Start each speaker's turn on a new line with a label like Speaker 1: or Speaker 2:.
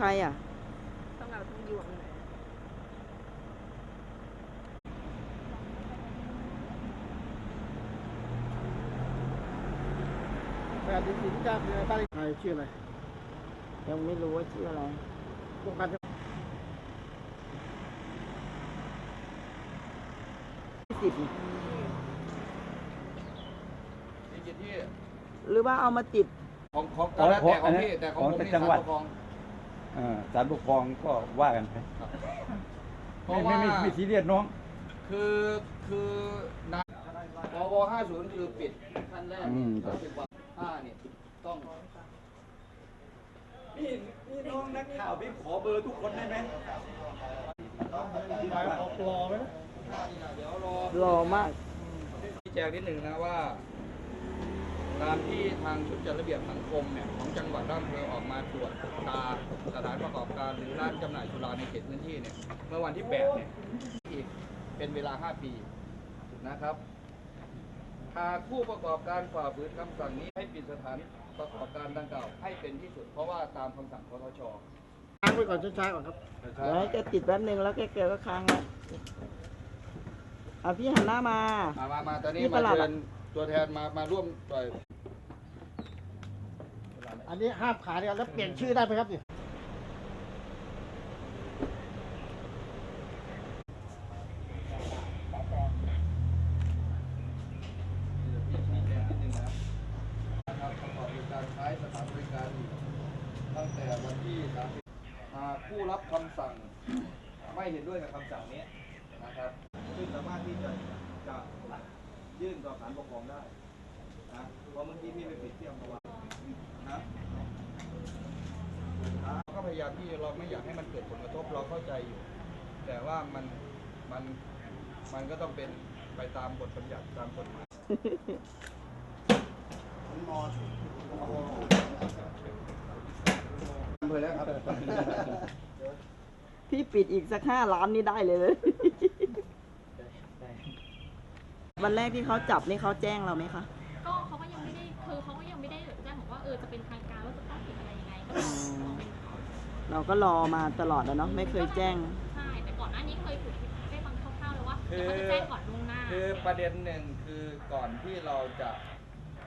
Speaker 1: ใครอ่ะ
Speaker 2: ต้องเอาทั้งยวงเลย
Speaker 3: แบบดินสินจ้าเป็นอะไรบ้านใครชื่ออะไร
Speaker 1: ยังไม่รู้ว่าชื่ออะไร
Speaker 3: โครงการ
Speaker 1: 10
Speaker 4: มีกี่ที่
Speaker 1: หรือว่าเอามาติด
Speaker 4: ของแต่ของพี่แต่ของผมนี่ศาลปกครอง
Speaker 5: ศาลปกครองก็ว่ากันไปไม่ซีเรียสน้อง
Speaker 4: คือนะปว50คือปิดขั้นแรก30 วัน5เนี่ยต้อง
Speaker 5: นี่น้องนักข่าวพี่ขอเบอร์ทุกคนได้ไหม
Speaker 3: ออกรอไหม
Speaker 4: เดี๋ยว
Speaker 1: รอมาก
Speaker 4: ชี้แจงนิดหนึ่งนะว่าตามที่ทางชุดจัดระเบียบสังคมเนี่ยของจังหวัดอำเภอออกมาตรวจตาสถานประกอบการหรือร้านจำหน่ายสุราในเขตพื้นที่เนี่ยเมื่อวันที่8เนี่ยอีกเป็นเวลา5 ปีนะครับหากผู้ประกอบการฝ่าฝืนคำสั่งนี้ให้ปิดสถานประกอบการดังกล่าวให้เป็นที่สุดเพราะว่าตามคำสั่งคทช.
Speaker 3: ค้างไว้ก่อนช้าๆก่อนครับ
Speaker 1: เดี๋ยวให้แกติดแป๊บนึงแล้วแกก็ค้างแล้วพี่หันหน้ามา
Speaker 4: ตอนนี้มาเชิญตัวแทนมาร่วมต่อย
Speaker 3: อันนี้ห้ามขายกันแล้วเปลี่ยนชื่อได้ไหมครับเนี่ย
Speaker 4: ประกอบการใช้สถานบริการตั้งแต่วันที่ผู้รับคำสั่งไม่เห็นด้วยกับคำสั่งนี้นะครับซึ่งสามารถที่จะยื่นต่อศาลปกครองได้นะเพราะเมื่อกี้พี่ไปปิดที่อัมพวานะก็พยายามที่เราไม่อยากให้มันเกิดผลกระทบเราเข้าใจอยู่แต่ว่ามันก็ต้องเป็นไปตามบทบัญญัติตามกฎหมายอำเภอแล้วครับ
Speaker 1: พี่ปิดอีกสัก5 ล้านนี่ได้เลย วันแรกที่เขาจับนี่เขาแจ้งเราไหมคะ
Speaker 2: ก็เขาก็ยังไม่ได้คือเขาก็ยังไม่ได้แจ้งบอกว่าจะเป็นทางการว่าจะต้องปิดอะไรยังไง
Speaker 1: เราก็รอมาตลอดแล้วเนาะไม่เคยแจ้ง
Speaker 2: ใช่แต่ก่อนหน้านี้เคยถูกได้ฟังคร่าวๆแล้วว่าเขาจะแจ้งก่อนล่วงหน้า
Speaker 4: คือประเด็นหนึ่งคือก่อนที่เราจะ